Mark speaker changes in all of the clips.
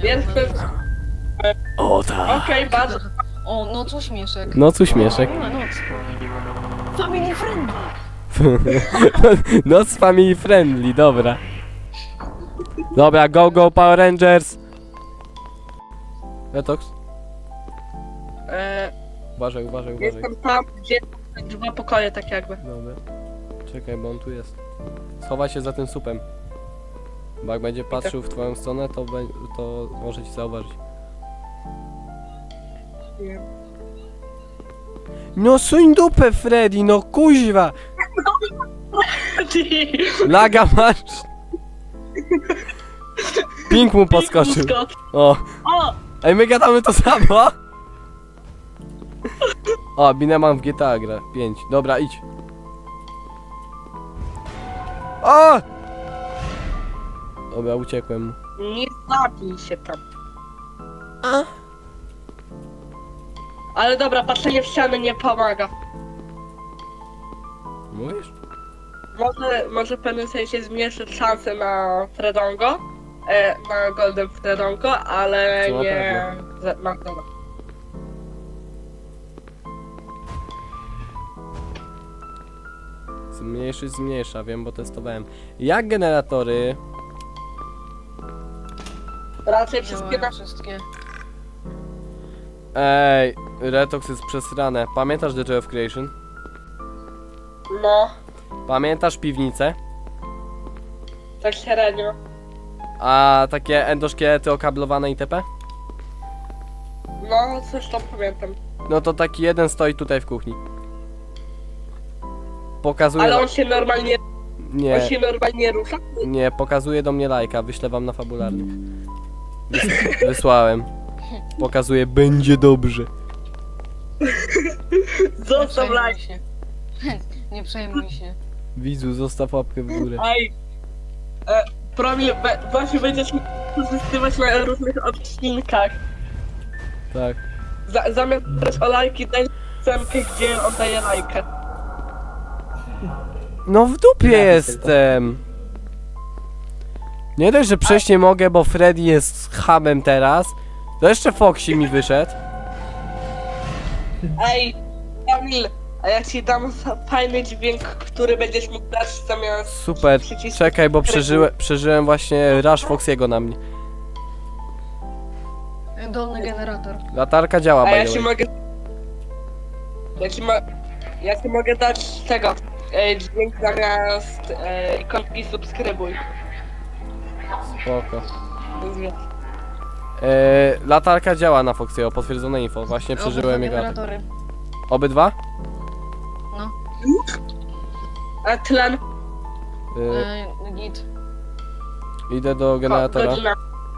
Speaker 1: Jestem...
Speaker 2: O tak.
Speaker 1: Okej, bardzo...
Speaker 3: O, no co śmieszek.
Speaker 2: Noc uśmieszek.
Speaker 3: No, noc. Family friendly.
Speaker 2: Noc family friendly, dobra. Dobra, go go Power Rangers. Retox? Uważaj, uważaj, uważaj.
Speaker 1: Jestem tam, gdzie są 2 pokoje, tak jakby.
Speaker 2: Dobra. Czekaj, bo on tu jest. Schowaj się za tym supem. Bo jak będzie patrzył w twoją stronę, to może ci zauważyć.
Speaker 1: Nie.
Speaker 2: No suń dupę, Freddy, no kuźwa! Laga masz! Pink mu podskoczył. O,
Speaker 1: O!
Speaker 2: ej, my gadamy to samo! O, Bineman w GTA gra. 5. Dobra, idź. O! Dobra, uciekłem mu.
Speaker 1: Nie zabij się tam. Ale dobra, patrzenie w ścianę nie pomaga.
Speaker 2: Mówisz?
Speaker 1: Może w pewnym sensie zmniejszyć szanse na Fredongo, na Golden Fredongo, ale
Speaker 2: To na
Speaker 1: nie na pewno.
Speaker 2: Zmniejsza, wiem, bo testowałem. Jak generatory?
Speaker 1: Raczej wszystkie
Speaker 3: Działają
Speaker 1: nasze...
Speaker 3: wszystkie.
Speaker 2: Ej, Retox jest przesrane. Pamiętasz The Joy of Creation?
Speaker 1: No,
Speaker 2: Pamiętasz piwnicę?
Speaker 1: tak średnio.
Speaker 2: A takie endoszkielety okablowane itp?
Speaker 1: No, coś tam pamiętam.
Speaker 2: No to taki jeden stoi tutaj w kuchni. Pokazuje...
Speaker 1: Ale on się normalnie,
Speaker 2: Nie,
Speaker 1: rusza.
Speaker 2: nie, pokazuje do mnie lajka, wyślę wam na fabularnych. Wysłałem. Pokazuje, będzie dobrze.
Speaker 1: Zostaw like.
Speaker 3: się. Nie przejmuj się.
Speaker 2: Widzu, zostaw łapkę w górę.
Speaker 1: Ej, Promil, właśnie będziesz mógł korzystywać na różnych odcinkach.
Speaker 2: Tak.
Speaker 1: Zamiast brać o lajki, daj scenkę, gdzie on daje lajkę.
Speaker 2: No w dupie jestem. Nie dość, że przejść nie mogę, bo Freddy jest hamem teraz. To jeszcze Foxy mi wyszedł.
Speaker 1: Ej, Kamil, a ja ci dam fajny dźwięk, który będziesz mógł dać zamiast...
Speaker 2: Super.
Speaker 1: przycisku.
Speaker 2: Czekaj, bo przeżyłem właśnie rush Foxiego na mnie.
Speaker 3: Dolny generator.
Speaker 2: Latarka działa,
Speaker 1: A ja
Speaker 2: by the
Speaker 1: ci
Speaker 2: way.
Speaker 1: mogę... Ja ci mogę dać tego, dźwięk zamiast ikonki subskrybuj.
Speaker 2: Spoko. Latarka działa na Foxiego, potwierdzone info. Właśnie przeżyłem jego atak.
Speaker 3: generatory.
Speaker 2: Obydwa?
Speaker 3: No.
Speaker 1: A tlen...
Speaker 3: Git.
Speaker 2: Idę do generatora.
Speaker 1: Godzina.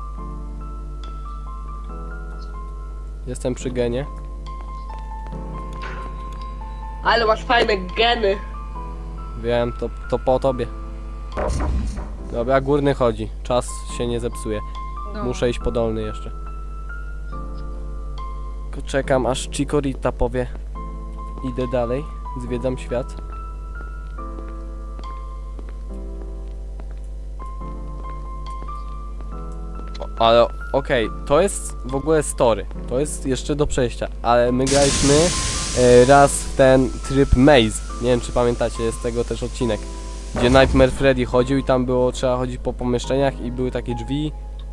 Speaker 2: Jestem przy genie.
Speaker 1: Ale masz fajne geny.
Speaker 2: Wiem, to po tobie. Dobra, górny chodzi. Czas się nie zepsuje.
Speaker 3: No.
Speaker 2: Muszę iść po dolny jeszcze. Tylko czekam aż Chikorita powie. Idę dalej, zwiedzam świat. Ale okej, to jest w ogóle story. To jest jeszcze do przejścia. Ale my graliśmy raz w ten tryb Maze. Nie wiem czy pamiętacie, jest tego też odcinek. Gdzie Nightmare Freddy chodził i tam było, trzeba chodzić po pomieszczeniach i były takie drzwi.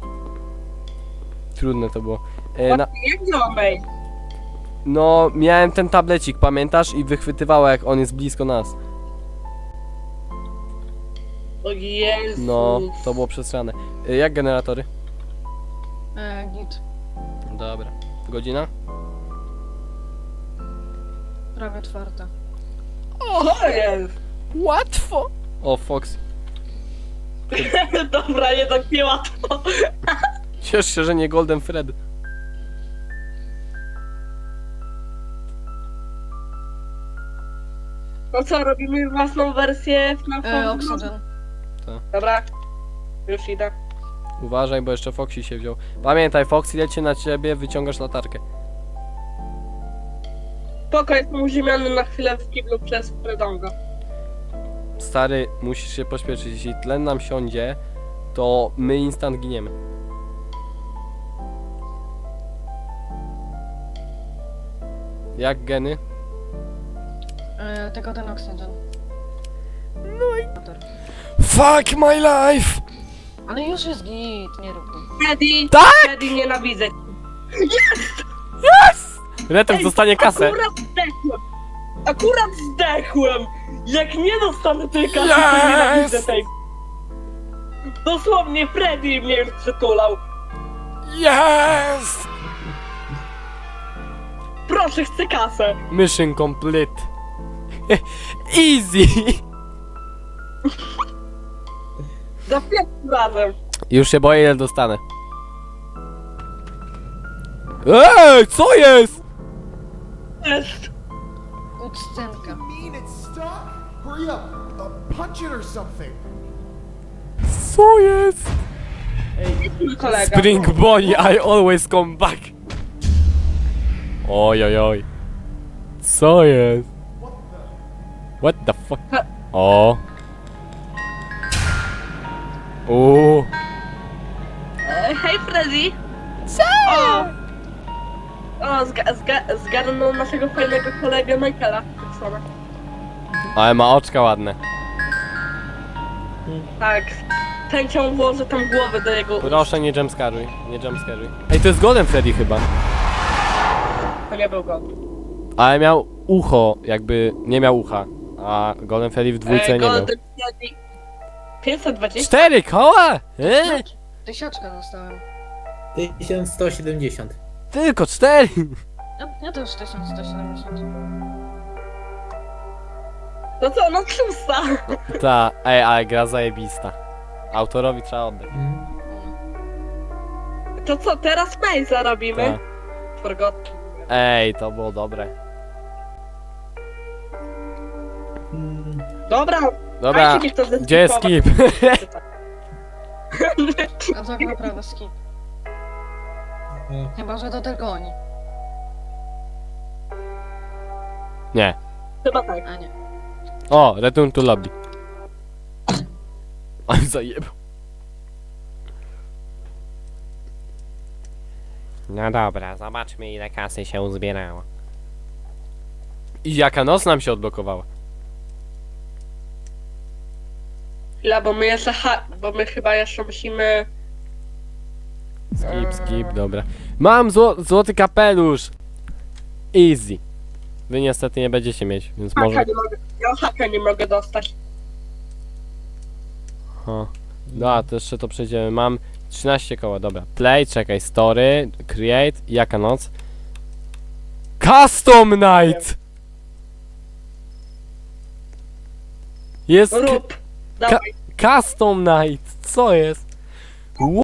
Speaker 2: Trudne to było.
Speaker 1: Jak działa mail?
Speaker 2: No, miałem ten tablecik, pamiętasz? I wychwytywało jak on jest blisko nas.
Speaker 1: O Jezu.
Speaker 2: No, to było przesrane. Jak generatory?
Speaker 3: Git.
Speaker 2: Dobra. Godzina?
Speaker 3: Prawie 4.
Speaker 1: O jest.
Speaker 2: Łatwo! O, Fox.
Speaker 1: Dobra, jednak nie łatwo.
Speaker 2: Ciesz się, że nie Golden Fred.
Speaker 1: No co, robimy własną wersję FNAF?
Speaker 3: Oxygen.
Speaker 1: Dobra. Już idę.
Speaker 2: Uważaj, bo jeszcze Foxy się wziął. Pamiętaj, Foxy leci na ciebie, wyciągasz latarkę.
Speaker 1: Spoko, jestem uziemiony na chwilę w kiblu przez Fredonga.
Speaker 2: Stary, musisz się pośpieszyć. Jeśli tlen nam siądzie, to my instant giniemy. Jak geny?
Speaker 3: Tylko ten oksygen.
Speaker 2: No i... Fuck my life!
Speaker 3: Ale już jest git, nie rób go.
Speaker 1: Freddy!
Speaker 2: Tak!
Speaker 1: Freddy, nienawidzę cię.
Speaker 2: Retem
Speaker 1: Ej,
Speaker 2: dostanie kasę.
Speaker 1: Akurat zdechłem! Jak nie dostanę tej kasy, to
Speaker 2: Yes!
Speaker 1: nienawidzę tej. Dosłownie Freddy mnie już przytulał.
Speaker 2: Yes!
Speaker 1: Proszę, chcę kasę.
Speaker 2: Mission complete. Easy!
Speaker 1: Za pierwszym razem.
Speaker 2: Już się boję, ile dostanę. Ej, co jest?
Speaker 1: Jest.
Speaker 3: Cutscenka.
Speaker 4: mean it's stuck? Hurry up! Punch it or something!
Speaker 2: Co jest?
Speaker 1: Mój kolega.
Speaker 2: Spring Bonnie, I always come back. Oj, oj, oj. Co jest? What the fuck? O. O.
Speaker 1: Hej Freddy! Co? O, zgarnął naszego fajnego kolegę Michaela Jacksona.
Speaker 2: Ale ma oczka ładne.
Speaker 1: Tak. Chęcią włożę tam głowę do jego ust.
Speaker 2: Proszę, nie jumpscaruj. Nie jumpscaruj. Ej, to jest Golden Freddy chyba.
Speaker 1: To nie był go.
Speaker 2: Ale miał ucho, jakby nie miał ucha. A Golden Freddy w dwójce nie miał.
Speaker 1: Golden Freddy 520?
Speaker 2: 4 koła?
Speaker 3: Tysiaczka dostałem.
Speaker 5: 1170.
Speaker 2: Tylko 4.
Speaker 3: Ja też 1170.
Speaker 1: No co, no tłusta.
Speaker 2: Ta, ej, ale gra zajebista. Autorowi trzeba oddać.
Speaker 1: To co, teraz Maze'a robimy?
Speaker 2: Ta.
Speaker 1: Forgot.
Speaker 2: Ej, to było dobre.
Speaker 1: Dobra,
Speaker 2: Dobra,
Speaker 1: dajcie mi to zeskipować.
Speaker 2: gdzie jest skip?
Speaker 3: A tak naprawdę skip. Chyba, że to tylko oni.
Speaker 2: Nie.
Speaker 1: Chyba tak.
Speaker 3: A nie.
Speaker 2: O, return to lobby. Ale zajebał. No dobra, zobaczmy ile kasy się uzbierało. I jaka noc nam się odblokowała.
Speaker 1: Chwila, bo my jeszcze bo my chyba jeszcze musimy...
Speaker 2: Skip, dobra. Mam złoty kapelusz. Easy. Wy niestety nie będziecie mieć, więc może...
Speaker 1: Haka nie mogę, ja haka nie mogę dostać.
Speaker 2: O. No, to jeszcze to przejdziemy. Mam 13 koła, dobra. Play, czekaj, story, create, jaka noc? Custom night! Jest
Speaker 1: Rób. Dawaj.
Speaker 2: custom night, co jest?